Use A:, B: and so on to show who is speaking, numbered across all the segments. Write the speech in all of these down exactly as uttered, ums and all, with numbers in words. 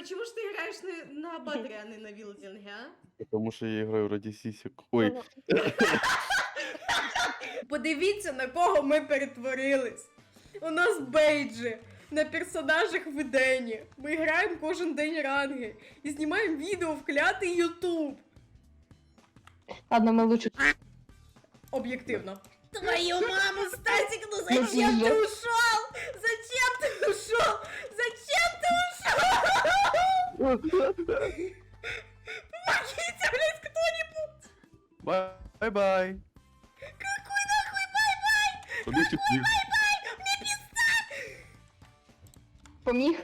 A: почему ж ти граєш не на батері, а не на вілдінгі, а?
B: Потому что я играю ради сисек. Ой,
A: Подивіться, на кого ми перетворились. У нас бейджі на персонажах в Едені. Ми граємо кожен день ранги і знімаємо відео в клятий Ютуб.
C: Ладно, мы лучше...
A: Об'єктивно. Твою маму, Стасик, ну зачем ты ушел? Зачем ты ушел? Зачем ты ушел? Помогите, блядь, кто-нибудь!
B: бай-бай.
A: Какой нахуй бай-бай?
B: Побежите вниз.
A: Мне пизда!
C: Поміг?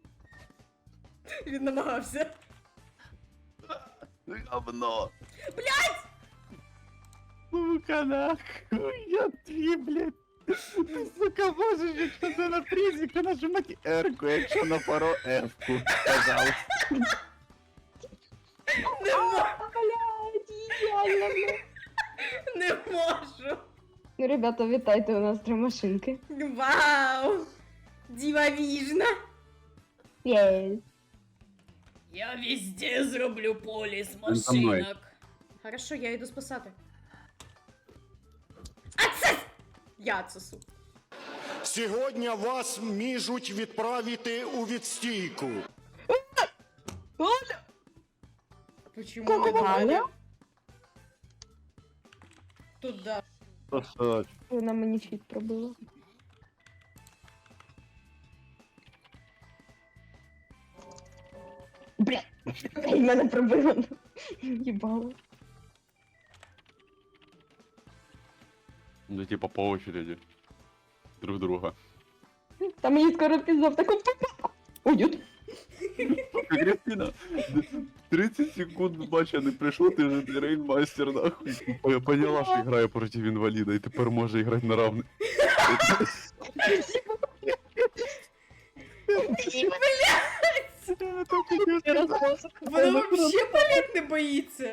A: Він намагався.
B: Говно.
A: Блядь!
B: Сука, нахуй, я твій, блядь. Ти, сука, можеш, якщо це на тризіку, нажимати R-ку, якщо на пару F-ку, пожалуйста.
A: Не, мо...
C: Блядь, ідеально, блядь.
A: не можу.
C: Ну, ребята, вітайте, у нас три машинки.
A: Вау! Дивовижно!
C: Єс.
A: Я везде зроблю поліс
B: Він за мною.
A: машинок. Хорошо, я йду спасати. Ацес! Я цесу.
D: Сьогодні вас можуть відправити у відстійку.
A: Почему
C: Кого
A: не дали?
C: Галя?
A: Туда.
C: Вона мені чіт пробила. Бля, і мене пробило. Їбало.
B: Ну, типа по очереди. Друг друга.
C: Та мені скоро піздов таку. Ой, ют.
B: Кристина, тридцать секунд бача не прийшло, ти вже рейнмастер, нахуй. Я поняла, що грає проти інваліда, і тепер може грати на равних.
A: Вона вообще полет не боїться.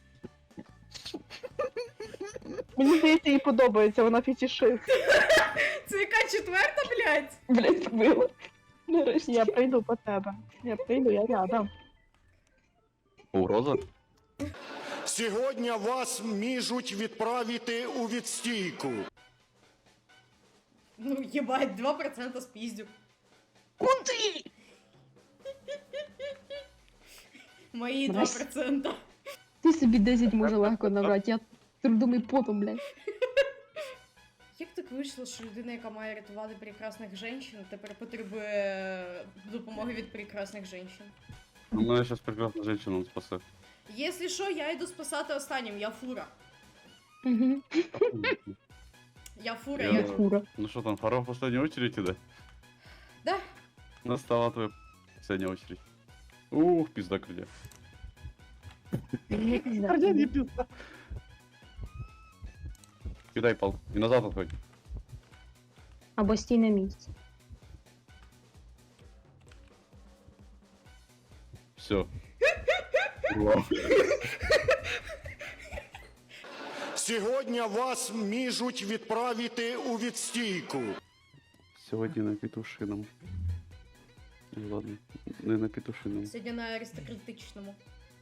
E: Мені здається, їй подобається, вона фетішист.
A: Це яка четверта, блядь?
C: Блять, пробила. Нарешті.
E: Я прийду по тебе. Я прийду, я рядом.
B: Угроза?
D: Сьогодні вас можуть відправити у відстійку.
A: Ну, ебать, два процента спиздю.
C: Куди?
A: Мої два процента.
C: Ти собі десять може легко набрати, я трудом і потом, блядь.
A: Як так вийшло, що людина, яка має рятувати прекрасних жінок, тепер потребує допомоги від прекрасних жінок?
B: Ну, мене зараз прекрасна жінка спасе.
A: Якщо що, я йду спасати останнім, я фура.
C: Угу.
A: Я фура,
B: Я-
A: я...
C: Фура.
B: Ну що там, пора в последнюю очередь іде?
A: Да.
B: Настала твоя последняя очередь. Ух, пизда крылья. Крылья не пизда. Кидай пал. И назад отходь.
C: Або стій на місці.
B: Все.
D: Сьогодні вас можуть відправити у відстійку.
B: Сьогодні на петушином. Ну ладно, не на петушином.
A: Сьогодні на аристократичному.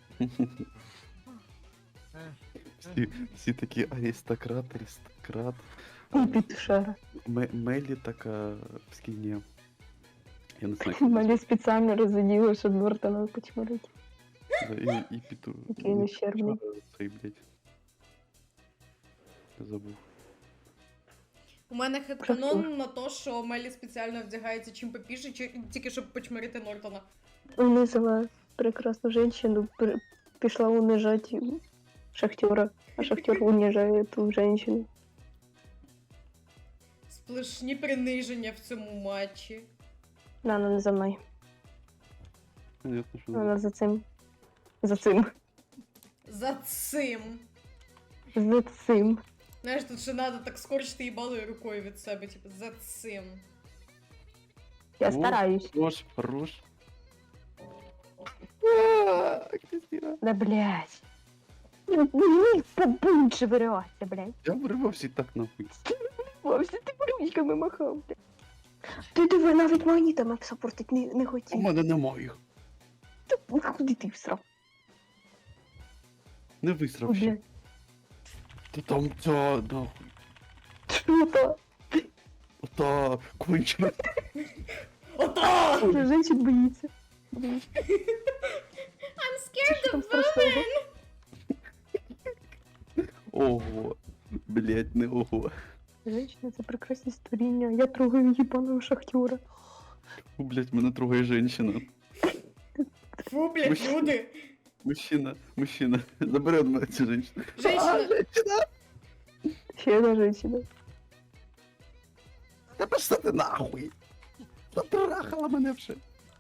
B: Всі, всі такі аристократ, аристократ.
E: І підшера.
B: М- Мелі така в скіні. Я не знаю. як
E: Малі спеціально розоділи, щоб Нортона почмирити.
B: назвати. І, і пету.
E: Який він ущербний.
B: Цей, блядь. Я забув.
A: У мене хедканон на те, що Мелі спеціально вдягається чим попіше, чи- тільки щоб почмирити Нортона.
E: Унизила прекрасну жінку, при- пішла унижати шахтера, а шахтер унижає ту жінку.
A: Сплошні приниження в цьому матчі.
E: Вона не за мною.
B: Понятно, що не
E: Вона за цим. За цим.
A: За цим.
E: За цим.
A: Знаєш, тут ще треба так скорчити їбалою рукою від себе, типу, за цим.
E: Я
B: О.
E: стараюсь.
B: Хорош, хорош. Кристина.
E: Да блядь. Мені побунче вириватися, блядь.
B: Я вирвався і так нахуй.
E: Вовсе ти ручками махав, блядь. Ти диви, навіть магнітами сапортить не, не
B: У
E: хотів.
B: мене немає їх.
E: Ну, куди ти всрав?
B: Не висрав
E: О,
B: ще.
E: блядь.
B: Та там ця, нахуй.
E: Що то?
B: Та, кончена.
A: Ото!
E: Вже женщин боїться.
A: I'm
E: Що
A: scared
E: там
A: of
E: страшного?
B: Ого. Блять, не ого.
E: Женщина — це прекрасні створіння. Я трогаю їбаного шахтера.
B: Фу, блять, мене трогає женщина.
A: Фу, блядь,
B: Мужчина.
A: люди.
B: Мужчина, мужчина. Забери від мене цю женщину.
A: Женщина.
E: Ще одна женщина.
B: Та пішла ти нахуй. Затрахала мене вже.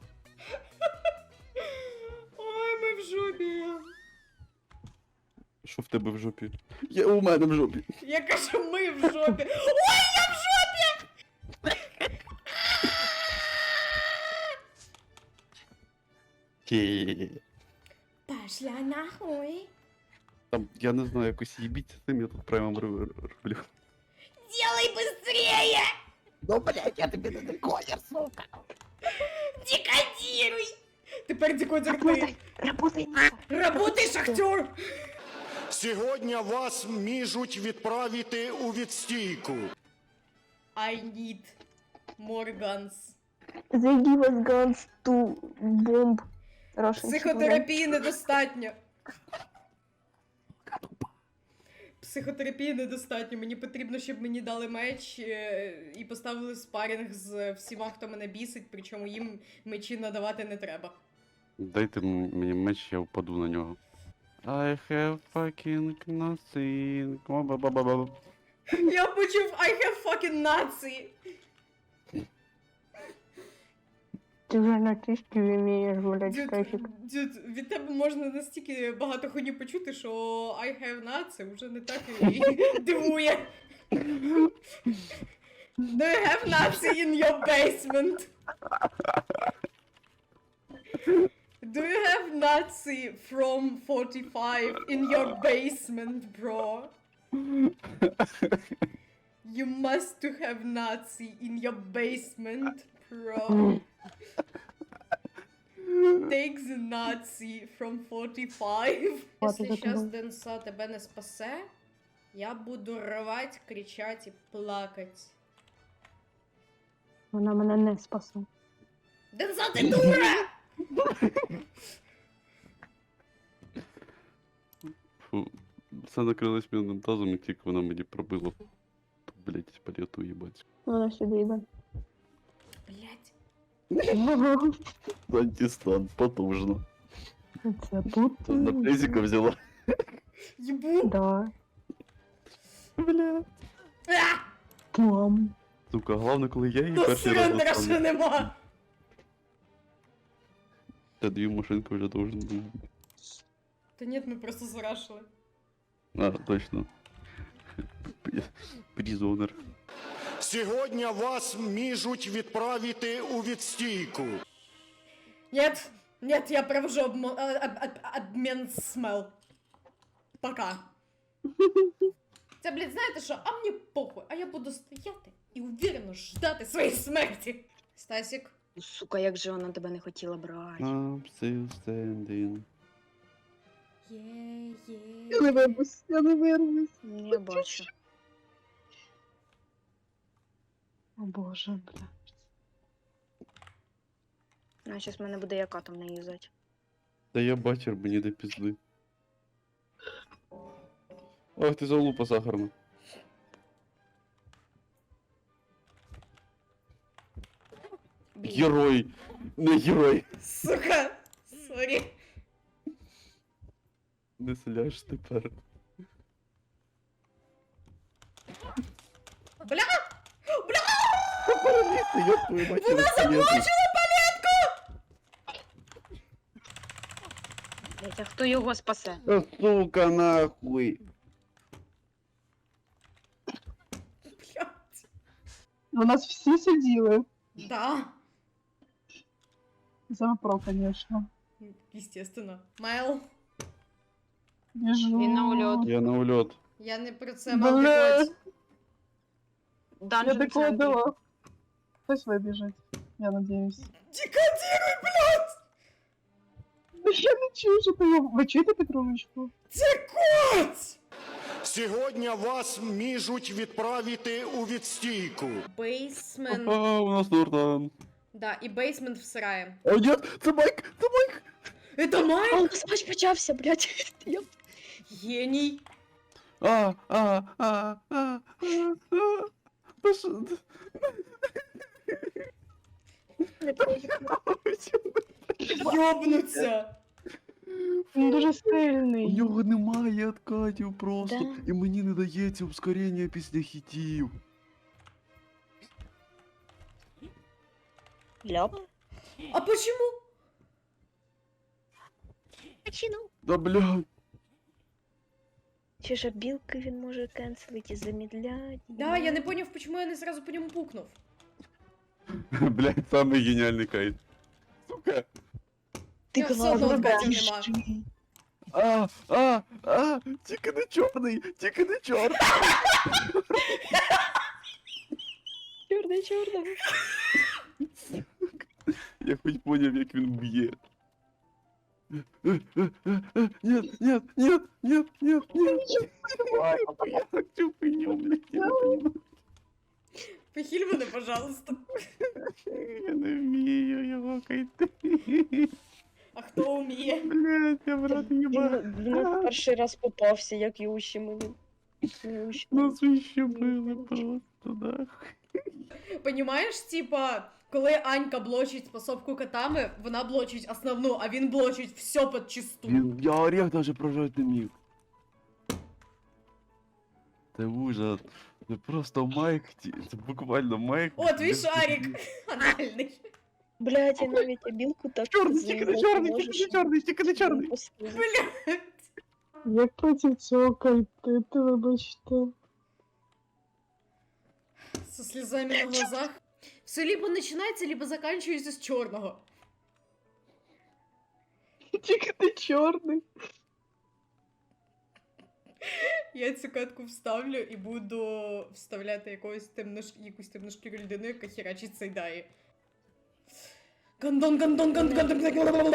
A: Ой, ми в жопі.
B: Що в тебе в жопі? Я у мене в жопі.
A: Я кажу, ми в жопі. Ой, я в жопі!
B: Ке.
A: Пошла нахуй.
B: Там, я не знаю, якось їбіть з цим, я тут прямо роблю.
A: Делай быстрее!
B: Ну, блять, я тобі не декодер, сука.
A: Декодируй! Тепер декодер ти.
E: Работай! Работай!
A: Работай, шахтер!
D: Сьогодні вас можуть відправити у відстійку.
A: I need more guns.
E: They give us guns to bomb Russian
A: Психотерапії недостатньо. Психотерапії недостатньо. Мені потрібно, щоб мені дали меч е, і поставили спарінг з всіма, хто мене бісить, причому їм мечі надавати не треба.
B: Дайте м- мені меч, я впаду на нього. I have fucking nothing. Ба-ба-ба-ба.
A: Я почув I have fucking Nazi.
E: Ти вже на трішки вмієш гуляти
A: Дюд,
E: кайфік.
A: дюд, від тебе можна настільки багато хуйні почути, що I have Nazi вже не так і дивує. Do you have Nazi in your basement? Do you have Nazi from forty-five in your basement, bro? You must to have Nazi in your basement, bro. Take the Nazi from forty-five.
E: Ладно,
A: Если сейчас
E: задумала.
A: Денса тебе не спасе, я буду рвать, кричать и плакать.
E: Вона мене не спасла.
A: Денса, ты дура!
B: Фу. Все накрилось мідним тазом, і тільки вона мені пробила. Ту, блять, палету їбать.
E: Вона сюди йде.
A: Блять.
B: Антистан, потужно.
E: Це тут.
B: На презика взяла.
A: Ебу.
E: Да.
B: Бля.
A: А!
E: Мам.
B: Сука, головне, коли я її
A: Тут
B: перший раз
A: сурендера ще
B: достану.
A: нема.
B: Та дві машинки вже должен був.
A: Та нет, ми просто зарашили.
B: А, точно. Призонер.
D: Сьогодні вас можуть відправити у відстійку.
A: Нет, нет, я провожу обмо- а- об- об- обмен смел. Пока. Це, блядь, знаєте що? А мені похуй, а я буду стояти і уверенно ждати своєї смерті. Стасік.
F: Сука, як же вона тебе не хотіла брати.
B: I'm still standing.
A: Є, є.
E: Я не вирвусь, я не вирвусь.
F: Ну, я бачу.
E: О боже, бля.
F: Ну, зараз мене буде яка там не юзать.
B: Та я бачер, мені до пізди. Ох, ти залупа сахарна.
A: Блін.
B: Герой! Не герой!
A: Сука. Сорі.
B: Не сляж тепер.
A: Бля!
B: Параліти, я твою мать.
A: Вона
B: заплачила!
F: Блять, а хто його спасе?
B: Сука, нахуй!
A: Блядь.
G: У нас всі сиділи.
A: Да.
G: За про, конечно.
A: Естественно. Майл,
G: Біжу.
F: Він на ульот.
B: Я на ульот.
A: я не про це мав
G: Бля.
A: декодь.
G: Я
F: Данжен центрі.
G: докладила. Хтось вибіжить, я надіюсь.
A: Декодируй, блядь!
G: Я не чую, що ти. Ви чуєте Петруночку?
A: Це кот!
D: Сьогодні вас міжуть відправити у відстійку.
A: Бейсмент.
B: А, у нас Нортон.
A: Да, і бейсмент всирає.
B: А, ні, це Майк, це Майк.
A: Это Майк?
F: О, смач почався, блядь. Я-
A: Геній.
B: А, а, а, а, а, а. Та що?
A: Йобнуться.
G: Він дуже
B: У
G: сильний.
B: нього немає откатів просто,
F: Да.
B: і мені не дається ускорення після хітів.
F: Ляп.
A: А почему?
B: Да бля.
F: Чи ж білки він може кенселити, замідлять?
A: Да, я не поняв, почему я не сразу по ньому пукнув.
B: Блядь, самий геніальний кайт. Сука.
F: Ти
A: Я все одно
F: глазом
A: откатів нема.
F: бачиш.
B: А, а, а, тільки не чорний, тільки не чорний.
F: Чорний, чорний.
B: Я хоч поняв, як він б'є. Нет, нет, нет, нет, нет, нет. Я хочу пеню, блядь, я не понимаю.
A: Похиль мене, пожалуйста.
B: Я не вмію його кайти.
A: А хто вміє?
B: Блядь, я брат їба.
F: Він, він перший раз попався, як його ущемили. Його ущемили.
B: Нас ущемили просто, да.
A: Понімаєш, типа, коли Анька блочить способку котами, вона блочить основну, а він блочить все подчисту.
B: Він, я орех даже прожать не міг. Це ужас. Це просто майк, ті- це буквально майк.
A: О, твій шарик. Анальний.
F: Блядь, я навіть білку так
B: Чорний, тільки не чорний, тільки не чорний, тільки не чорний.
G: Як проти цього кайтити, вибачте.
A: Со слезами на глазах. Все либо начинается, либо заканчивается с черного.
G: Тільки ти чорний.
A: Я цю катку вставлю і буду вставляти якогось темнош... якусь темношкіру людину, яка херачить Сайдаї. Гандон, гандон, гандон, гандон.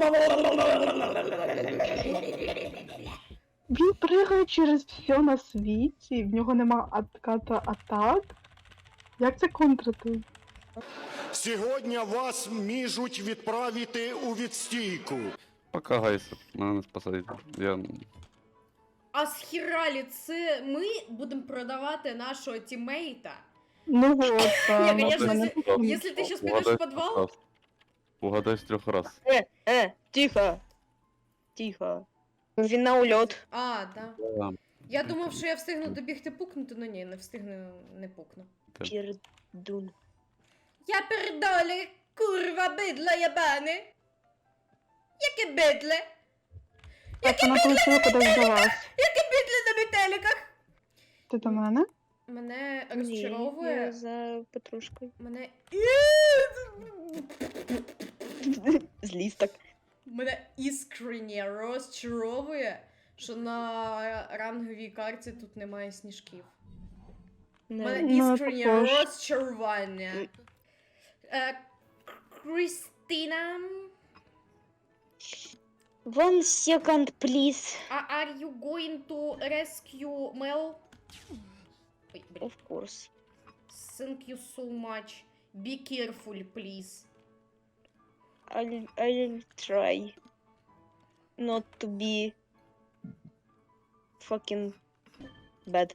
G: Він пригає через все на світі, в нього нема отката атак. Як це контрити?
D: Сьогодні вас міжуть відправити у відстійку.
B: Пока, гайся, мене не спасайте. Я...
A: А схералі це ми будемо продавати нашого тіммейта?
G: Ну вот,
A: Я,
G: там,
A: конечно,
G: мене
A: если-
G: тут-
A: Если ты сейчас пойдешь в подвал,
B: Угадай з трьох раз.
F: Е, е, тихо. Тихо. Він на ульот.
A: а, да.
B: Да.
A: Я думав, що я встигну добігти пукнути, але ні, не встигну, не пукну.
F: Пірдун.
A: Я передолі, курва, бидло ябане. Яке бидле?
G: Так, вона полетіла кудись до вас.
A: Яке бидле на метеликах?
G: Ти до мене?
A: Мене
F: Ні, я
A: розчаровує.
F: за Петрушкою.
A: Мене.
F: Зліз так.
A: Мене іскренне розчаровує, що на ранговій карті тут немає сніжків. Мене
G: Ну,
A: іскренне
G: також.
A: розчарування. Е, Крістіна,
F: One second, please.
A: а- are you going to rescue Mel? Ой, блін.
F: Of course.
A: Thank you so much. Be careful, please.
F: I'll, I'll try not to be fucking bad.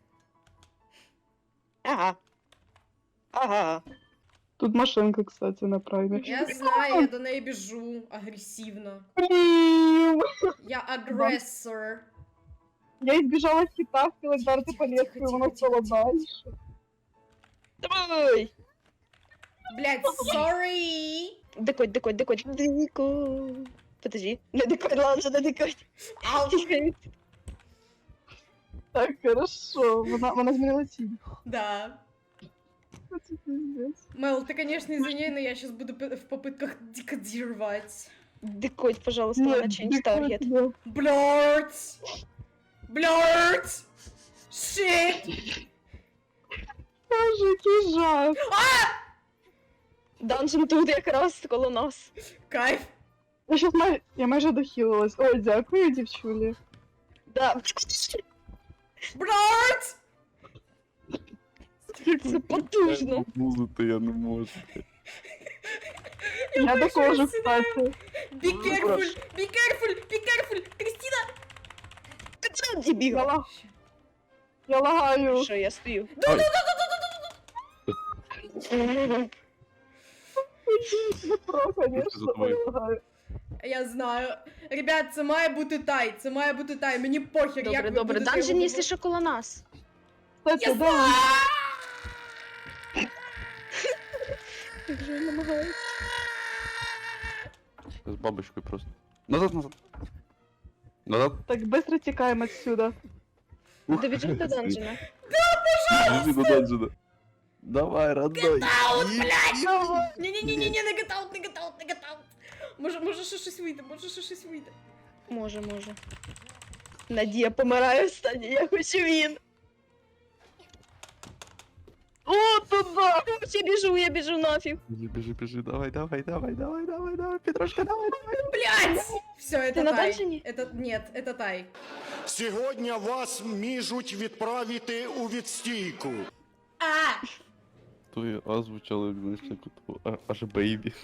F: Ага. Ага.
G: Тут машинка, кстати, на праймі.
A: Я знаю, я до неї біжу агресивно.
G: Блін!
A: Я агресор.
G: Я избежала хита, хотела вдарити
A: Тихо,
G: по
A: тихо,
G: лесу, і воно
A: тихо,
G: стало
A: тихо,
G: дальше.
F: Давай!
A: Блять, sorry.
F: Декодь, декодь, декодь. Декодь. Подожди. Не декодь, ладно, не декодь.
A: Ау.
G: Так, хорошо. Вона, вона змінила ціль.
A: Да.
G: Це пиздец.
A: Мел, ты, конечно, извини, но я сейчас буду п- в попытках декодировать.
F: Декодь, пожалуйста,
G: Ні,
F: на change
G: дикуй
F: target.
G: тебе.
A: Блять! Блять! Shit!
G: Боже, який жах.
F: Данжен тут якраз коло нас.
A: Кайф.
G: Я щас май... я майже дохилилась. Ой, дякую, дівчулі.
F: Да.
A: Брат!
F: Це потужно.
B: Музити я не можу.
G: Я
A: бачу,
G: також,
A: як
G: кстати.
A: Be careful! Be careful! Be careful! Крістіна!
F: Ти це дебіл.
G: Я, лаг... я лагаю.
F: Що, я стою?
G: Про, конечно,
B: за тобою.
G: я лагаю.
A: Я знаю. Ребят, це має бути тай. Це має бути тай. Мені похер, як
F: Добре,
A: ви
F: добре.
A: будете
F: Данжен,
A: його
F: якщо що, коло нас.
G: Кстати,
A: Я
G: да,
F: Як же він намагається?
B: З бабочкою просто. Назад, назад. Назад.
G: так быстро тікаємо отсюда.
B: Ух,
F: Добіжи до Данжена.
B: Біжи до данжена. Давай, родной.
A: Ні-ні-ні-ні, не гетаут, не гетаут, не гетаут. Може, може ще щось вийде, може ще щось вийде.
F: Може, може. Надія помирає останнє, я хочу він. О, туда! Я біжу, я біжу нафіг.
B: Біжи, біжи, біжи, давай, давай, давай, давай, давай, давай, Петрушка, давай, давай.
A: Блять! Все,
F: Ти
A: это
F: на
A: тай.
F: данжені?
A: Это, нет, это тай.
D: Сьогодні вас міжуть відправити у відстійку.
A: А!
B: То я озвучала, знаєш, як от, а- аж бейбі.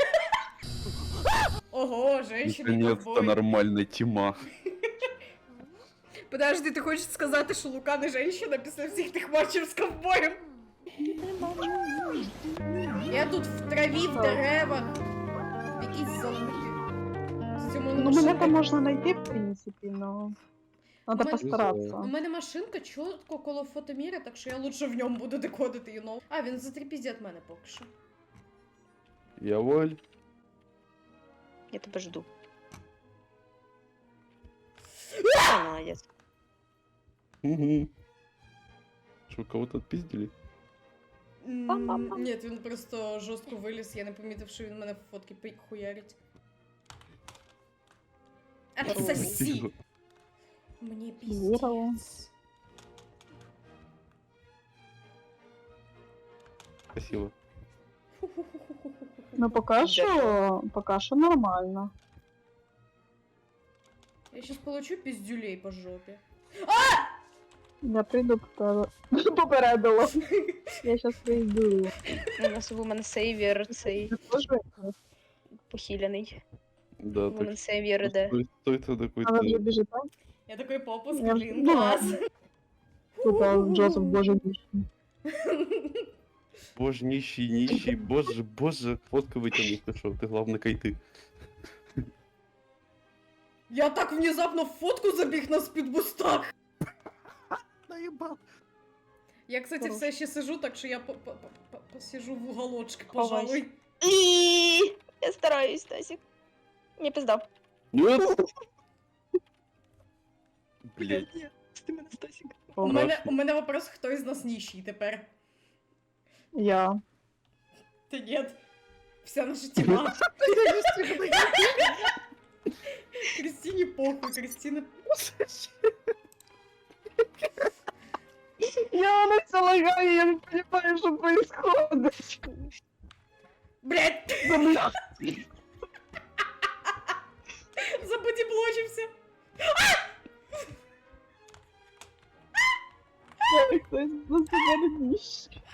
A: Ого, женщина
B: Наконец-то нормальна тіма.
A: Подожди, ти хочеш сказати, що Лука не женщина після всіх тих матчів з ковбоєм? Я тут в траві, в деревах. В якійсь залупі. З цьому
G: Ну, мене там можна знайти, в принципі, но... Надо
A: У мене-
G: постаратися.
A: У мене машинка чітко коло фотоміра, так що я лучше в ньому буду декодити, you know. А, він затріпіздє від мене поки що.
B: Я воль.
F: Я тебе жду. Молодець.
B: Угу. Що, кого-то отпиздили?
A: М, Ні, він просто жорстко виліз, я не помітив, що він мене в фотки пи- хуярить. Отсоси!
B: Тихо.
A: Мені
G: Здорово.
A: пиздец.
B: Спасибо.
G: Ну, поки що, поки що нормально.
A: Я щас получу пиздюлей по жопі.
G: Я прийду по тебе. Попередила. Я щас прийду.
F: У нас вумен сейвір цей
G: Ти теж?
F: похиляний.
B: Да,
F: Вумен
B: так.
F: сейвір іде.
B: Стой, стой, ты такой.
G: А ви вже
B: ты-
G: біжите?
A: Я такой попуск,
G: Я
A: блін,
G: ж-
A: клас.
G: Тут а, Джозеф, боже мій.
B: Боже, нищий, нищий, боже, боже, фотка вытянуть, ты шо, ты главное кайты.
A: Я так внезапно в фотку забіг на спідбустах.
B: Наебал.
A: Я, кстати,
G: Хорош.
A: все ще сижу, так що я по- по- по- по- посижу в уголочке,
F: Ховайся.
A: пожалуй.
F: І я стараюсь, Тасік. Не пиздав.
B: Нет! Блять.
F: Ні, ти мене, Стасік.
A: У
B: Ага.
A: мене, у мене вопрос, хто із нас нищий тепер?
G: Я.
A: Та нет. Вся наша тіма. Кристине похуй, Кристина...
G: Я на це лагаю, я не розумію, що происходить.
A: Блять!
G: Бля.
A: Забудіблочився.
G: Хтось на себе не ніж.